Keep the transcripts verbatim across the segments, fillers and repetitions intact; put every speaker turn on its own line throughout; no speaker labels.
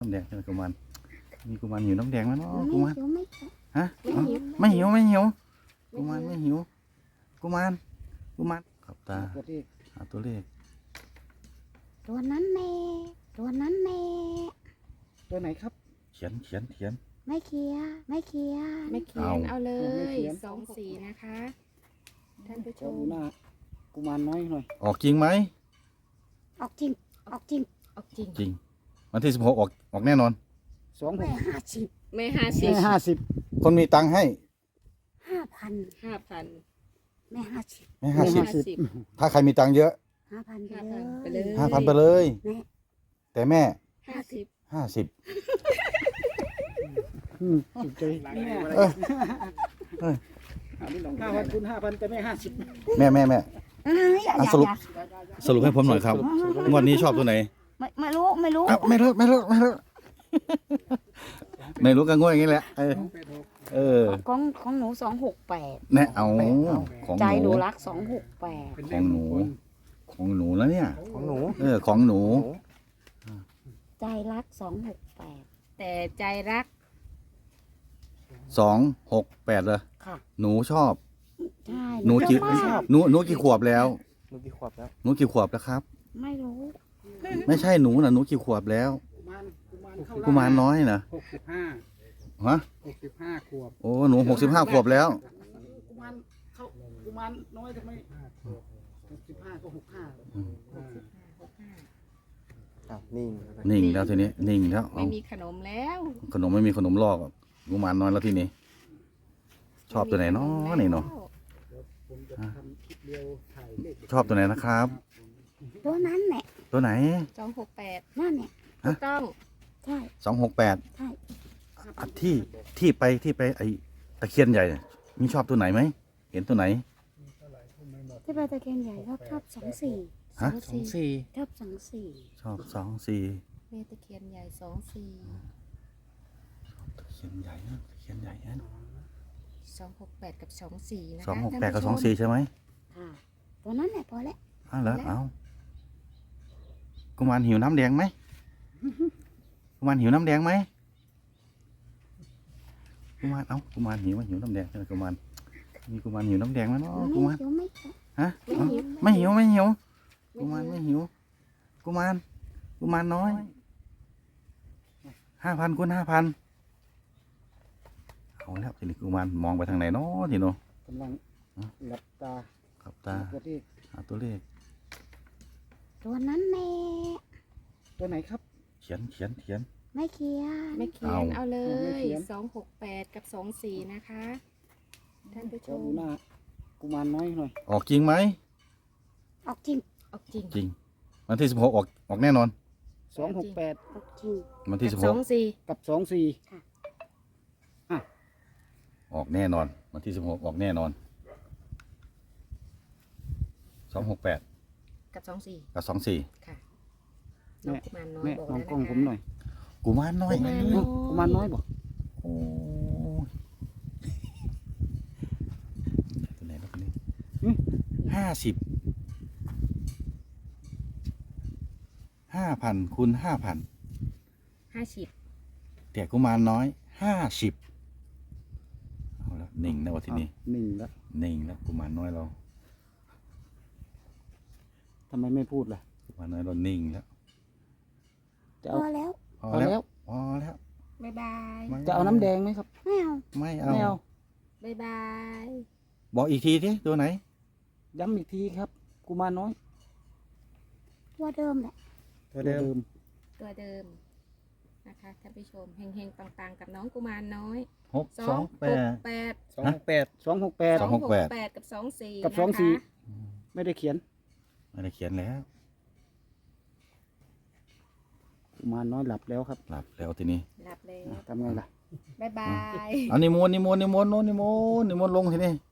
น้ำแดงใช่ไหมกุมารมีกุมารหิวน้ำแดงไหมเนาะกุมาร
ไม่
ฮะไม่หิวไม่หิวกุมารไม่หิวกุมารกุมารขับตาหาตัวเลข
ตัวนั้นแน่ตัวนั้นแน่
ตัวไหนครับ
เขียนเขียนเขียน
ไม่เคลียร์ไม่เคลียร์
ไม่เขียน
เอา
เอาเล
ไม่
ย
เขียน
สองสีนะคะ ท่านผู้ช
ขอ
ม
ดูหน้ากุมารน้อยหน่อย
ออกจริงไหม
ออกจริงออกจริง
ออกจริง
จริงวันที่สิบหกออกออกแน่นอน
สองห
แม่
ก
ห้าสิบ
ไม่ห้าสิ
แม่
บ
ห้าสิบ
คนมีตังค์ให้
ห้าพัน
ห้าพัน
แม่ห้าสิบ
ไม่ห้าสิบ
ห้าสิบ
ถ้าใครมีตังค์เยอะ
ห้าพันไป
ห้า
เล
พันไป
ย
เลย
ห้าพันไปเลย
แม่
แต่แม่
ห้าสิบ
ห้าสิบ
อืมถูกใจแม่
เออเออ
ห้าพันคูณห้าพันแต่แม่ห้าสิบ
แม่แม่แม่
เอ้ยอย่า
อ่ะ
อย่า
สรุป
อย่า
สรุปให้ผมหน่อยครับงวดนี้ชอบตัวไหน
ไม่ไม่รู้ไม่รู้
อ้าวไม่รู้ไม่รู้ไม่รู้ไม่รู้ก็ง่วยอย่างนี้แหละเออเออ
ของของหนูสองหกแปด
แน่เอาของ
ใจ
ห
ห
นู
นูรักสองหกแปด
ของหนูของหนูแล้วเนี่ย
ของหนู
เออของหนู
ใจรักสองหกแปด
แต่ใจรัก
สองหกแปดเลย
ค่ะ
หนูชอบ
ใช่
หนูกี่
ไม่ชอบ
หนูหนูกี่ขวบแล้ว
หนูกี่ขวบแล้ว
หนูกี่ขวบแล้วครับ
ไม่รู้
ไม่ใช่หนูนะหนูกี่ขวบแล้ว
กุมารกุมารเข้า
กุมารน้อยนะ
หกสิบห้า
ฮะ
หกสิบห้าขวบ
โอ้หนูหกสิบห้าขวบแล้ว
กุมารเข้ากุมารน้อยทำไมหกสิบห้าก็หกห้า
นิ่ง
นิ่งแล้วทีนี้นิ่งแล้ว
ไม่
เอา
มีขนมแล้ว
ขนมไม่มีขนมลอกอ่ะกุมารน้อยแล้วทีนี้ ชอบตัวไหนเนาะนี่เนาะ
ผมจะทำคลิปเดียวถ่ายเลข
ชอบตัวไหนนะครับ
ตัวนั้นแหละ
ตัวไหน
สองหกแปด
นั่นเนี่ย
ถูกต้อง
ใช่
สองหกแปด
ใช่
ที่ที่ไปที่ไปไอตะเคียนใหญ่น่ะมีชอบตัวไหนไหมเห็นตัวไหน
ที่ไปตะเคียนใหญ่ชอบชอบสองสี่
ฮะ
สองสี่
ชอบสองสี่
ชอบสองสี่
แม่ตะเคียนใหญ่สองสี่
ตะเคียนใหญ่นะตะเคียนใหญ่นะ
สองหกแปดกับสองสี่นะคะ
สองหกแปดกับ
ท่าน
สอง
ผู้ชม
สี่ใช่ไหม
ค่ะตัวนั้นแหละพอแล้ว
อ้าวเหรอเอากุมารหิวน้ำแดงไหมกุมารหิวน้ำแดงไหมกุมารเอ้ากุมารหิวไหมหิวน้ำแดงใช่ไหมกุมารมีกุมารหิวน้ำแดงไหมเนาะกุมาร
ไม่ไม่
ฮะเอ้าไม่หิวไม่หิวกุมารไม่หิวกุมารกุมารน้อยห้าพันคูณห้าพันเอาแล้วทีนี้กุมารมองไปทางไหนเนาะทีเนาะ
กำลังหลับตา
ขับตา
ตัวที่
หาตัวเลข
ตัวนั้นแน่
ตัวไหนครับ
เขียนเขียนเขียน
ไม่เคลียร์
ไม่เขียน
เอา
เอาเล
ไม่
ย
เขียน
สองหกแปดกับสองสี่นะคะ ท่านผู้ช
ขอ
ม
ดูหน้ากุมารน้อยหน่อย
ออกจริงไหม
ออกจริง
ออกจริง
จริงวันที่สิบหกออกออกแน่นอน
สองหกแปด
ออกจริง
วันที่สิบ
ส
ห
อก งสี่
กับสองสี่
ออกแน่นอนวันที่สิบหกออกแน่นอนสองหกแปด
กับสองสี่
กับสองสี่
ค่ะน้องกุมารน้อย
แม่
บอก
มอ
แล้
ง
ว
กล้อง
นะคะ
ผมหน่อย
กุมารน้อย
กุมารน้อย
กุมารน้อยบอก
โอ้ยตัวไหนแล้วคนนี้ห้าสิบห้าพันคูณห้าพัน
ห้าสิบ
แต่กุมารน้อยห้าสิบเอาแล้วนิ่งนะวันที่นี้
หนึ่งแล้ว
นิ่งแล้วกุมารน้อยเรา
ทำไมไม่พูดล่ะ
กุมารน้อยเรานิ่งแล้ว
จะ
พ
เอา
อแล้ว
พอ
พอ
แล้
แล้ว ว
พอแล้ว
บ๊ายบาย
ไม่
จะเอาน้ำแดงไหมครับ
ไม่เอา
ไม่เอา
ไม่เอา
บ๊ายบาย
บอกอีกทีที่ตัวไหน
ย้ำอีกทีครับ กุมารน้อย
ตัวเดิมแหละ
ตัวเดิม
ตัวเดิมนะคะท่านผู้ชมเฮงๆปังๆกับน้องกุมารน้อย
หกสองแปด
แปด
สองหกแปดสองหกแปด
สองหกแปด
แปดกับสองสี่
กับ
นะคะ
สองสี่ ไม่ได้เขียน
ไม่ได้เขียนแล้ว
กุมารน้อยหลับแล้วครับ
หลับแล้วทีนี้
หลับเลย
ทำไงล่ะ
บ๊ายบาย
เอานิมนต์นิมนต์นิมนต์โน้นนิมนต์นิมนต์ลงทีนี้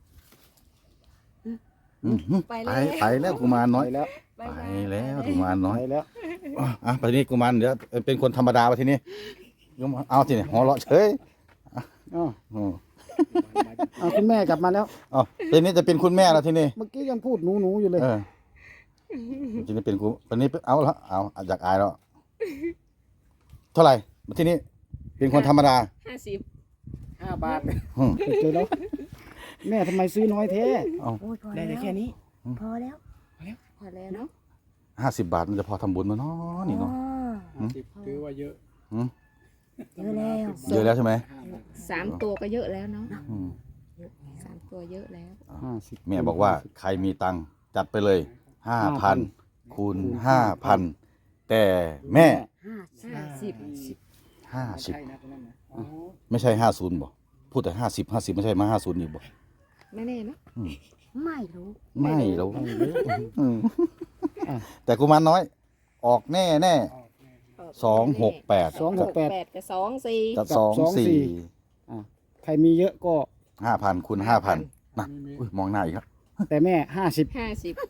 อืม
ไป
ไป
แล้ว
ไปแล้วกุมารน้อย
ไปแล้ว
บ๊าย
ไป
บาย
แล้วกุมารน้อย
ไปแล้ว
อ่ะอ่ะไปนี่กุมารเดี๋ยวเป็นคนธรรมดาไปทีนี้กุมารเอาทีนี้หัวเราะเฉย
อ๋อ
อ๋อ
เอาคุณแม่กลับมาแล้ว
อ๋อทีนี้จะเป็นคุณแม่แล้วทีนี้
เมื่อกี้ยังพูดหนูหนูๆอยู่เลย
เออทีนี้เป็นกูทีนี้เอาละเอาอยากอายแล้วเท่าไหร่ที่นี้เป็นคนธรรมดา
ห้าสิบ
ห้าบาท
อืม
เจอแล้วแม่ทำไมซื้อน้อยแท้
เอา
โอ้ยพอ
ได้
แล้ว
แต่แค่นี้
พอแล้ว
พอแล้วเนาะ
ห้าสิบบาทมันจะพอทำบุญมั้ยเนาะนี่เนาะ
อ๋อ
สิบถือว่าเยอะ
อืม
เยอะแล้ว
เยอะแล้วใช่ไหม
สามตัวก็เยอะแล้วเนาะ
อืม
สามตัวเยอะแล้ว
ห้าสิบ
แม่บอกว่าใครมีตังค์จัดไปเลยห้าพันคูณห้าพันแต่แม่
ห้า
ห้าสิบ
ห้าสิบ
ใช่นะตรงนั้นนะอ๋อ
ไม่ใช่ห้าศูนย์บ่พูดแต่ห้าสิบห้าสิบไม่ใช่มาห้าศูนย์อีกบ่
ไม่แน่เนาะ
ไม่รู้
ไม่แล้วอืมแต่กุมารน้อย ออกแน่แน่สองหกแปด
สองหกแปด
แปดกับสองสี่
กับ
กับ
สอง
สองสี่
สี่
ใครมีเยอะก็
ห้าพันคูณห้าพันนะอุ้ยมองหน้าอีกแล้ว
แต่แม่ห้าสิบ
ห้าสิบ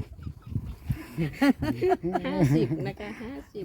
ห้าสิบนะคะห้าสิบ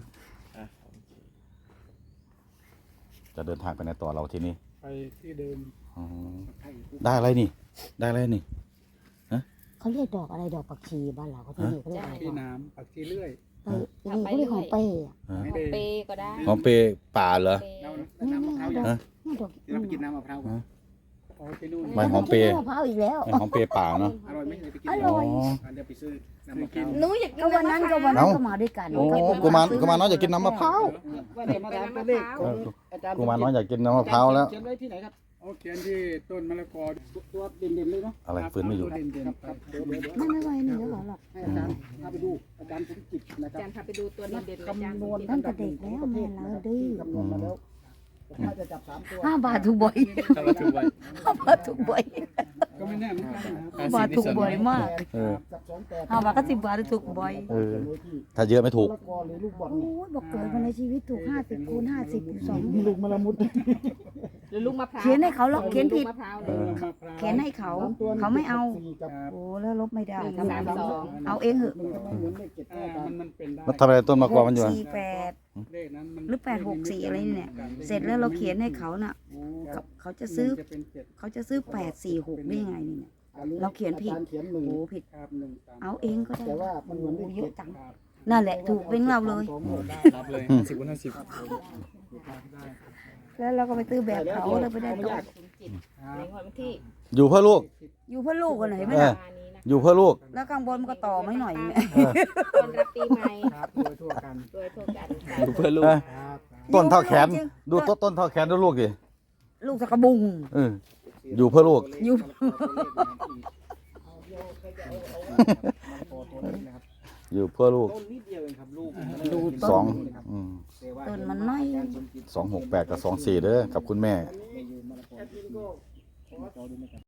จะเดินทางไปในต่อเราทีนี้
ไปที่เดิม
อ๋อได้อะไรนี่ ได้อะไรนี่
เขาเรียกดอกอะไรดอกผักชีบ้านเราเขาที่นี่เขาเรียกอะไร
ที่น้ำปักที่เลื่อย
เออที่นี่เขาเรียกของเป้อะ
ฮะ
ไม่
ขอ
ได้
งเปย์ก็ได้
หอมเปรย์ป่าเหรอ
เปย์
เรา
นี่
น้ำมะ
นี่
พร้าว
เอาด
ยั
อง กนี่ดอก
เราไปกินน้ำมะพร้าวกันอ๋อที่นู่น
ไม่หอมเปรย์
มะพร้าวอีกแล้ว
ไม่หอมเปรย์ป่าเนาะ
อร่อยไหมเลยไปกิน
อร่อย
อ๋อ
อันเดี๋ยวไปซื้อน้ำมะพร้าว
หนูอยากกิ
ก็วันนั้นก็วันนั้น
เอ้า
ก็มาด้วยกัน
โอ้กุมารกุมารน้อยอยากกินน้ำมะพร้าว
ว่าเดี๋ยวมาถามตัวเลขของอาจารย์
กุมารน้อยอยากกินน้ำมะพร้าวแล้ว
เขียนไว้ที่ไหนครับโอ้เขียนที่ต้นมะละกอตัวเด่นๆเลยเนาะ
อะไรฟื้นไม่อยู่
ตัวเด่นๆครับเดี๋ยวเดี๋ยวเดี๋ยว
ไม่ไม่ไหวนี่แล้วเหรอหรอก
ให้อาจารย์พาไปดูอาจารย์สมจิตนะค
อา
รับ
จารย์พาไปดูตัวเด่นๆอาจารย์
คำนวณ
ตั้งแต่เด็กแล้วแม่เราดื้อ
คำนวณมาแล้วถ้าจะจับสามตัว
ห้าบาทถูกบ่อย
ถ้าเราถูกไว้
ห้าบาทถูกบ่อย
ก็ไม่แน่เหมือนกันนะค
ห้า
รับ
บาทถูกบ่อยมาก
เออ
จับสองแปด
ห้าบาทก็สิบบาทถูกบ่อย
เออ ถ้าเยอะไม่ถูก
มะละกอหรือลูกบอล
โอ้ยบอกเกิดมาในชีวิตถูกห้าสิบคูณห้าสิบสอง
ลูกมะละมุด
หรือลูกมะพร้าว
เขียนให้เขาหรอกเขียนผิด
ลูกมะพร้าวเล
เอย อ
เขียนให้เขา เขาไม่เอา โอ้แล้วลบไม่ได้
หนึ่ง
ทำไม
สามสอง
เอาเองเหอะ
มันก็ไม่เหมือนเลขเจ็ดเก้ากันมันมันเป็นได้
มันทำอะไรต้นมะกอกมันอยู่
ห
อะ
กสี่แปด
เลขนั้นมัน
หรือแปดหกสี่อะไรนี่เนี่ย เสร็จแล้วเราเขียนให้เขาน่ะ
โอ้
เขาเขาจะซื้อ
จะเป็นเจ็ด
เขาจะซื้อแปดสี่หกได้ยังไงนี่เนี่ย เราเขียนผิด
อาจารเขียนหนึ่ง
โอ้ผิด
ครับหนึ่งสาม
เอาเองก็ได้
แต่ว่ามันเหมือนเลข
เย
เจ็
อะ
ด
จัง
ครับ
นั่นแหละถูกเป็นเราเลย
รับเลยสิบคูณห้าสิบ
แล้วเราก็ไปตื้อแบบเขาแล้วไปได้ต่อ
ในวันที่
อยู่เพื่อลูก
อยู่เพื่อลูกกันไหนไหม
เออ
ล่ะ
มานี้นะ
อยู่เพื่อลูก
แล้วข้างบนมันก็ต่อไม่หน่อยเนี่ย
ตอนรับปีใหม่
ครับโดยทั่วกัน
โดยทั่วกัน
อยู่เพื่อลูก
เออ
ครับ
ต้นเท่าแขน ดูต้นต้นเท่าแขนดูลูกดิ
ลูกสกกระบุง
เออ อยู่เพื่อลูก
อยู่
อยู่เพื่อลูก
ต้นนิดเดียวเองครับลูก
ดู
ส
ต้
อง
น
อืม
ต้นมันน้อย
สองหกแปดกับสองสี่เด้อกับคุณแม่
แอดมินก็ขอ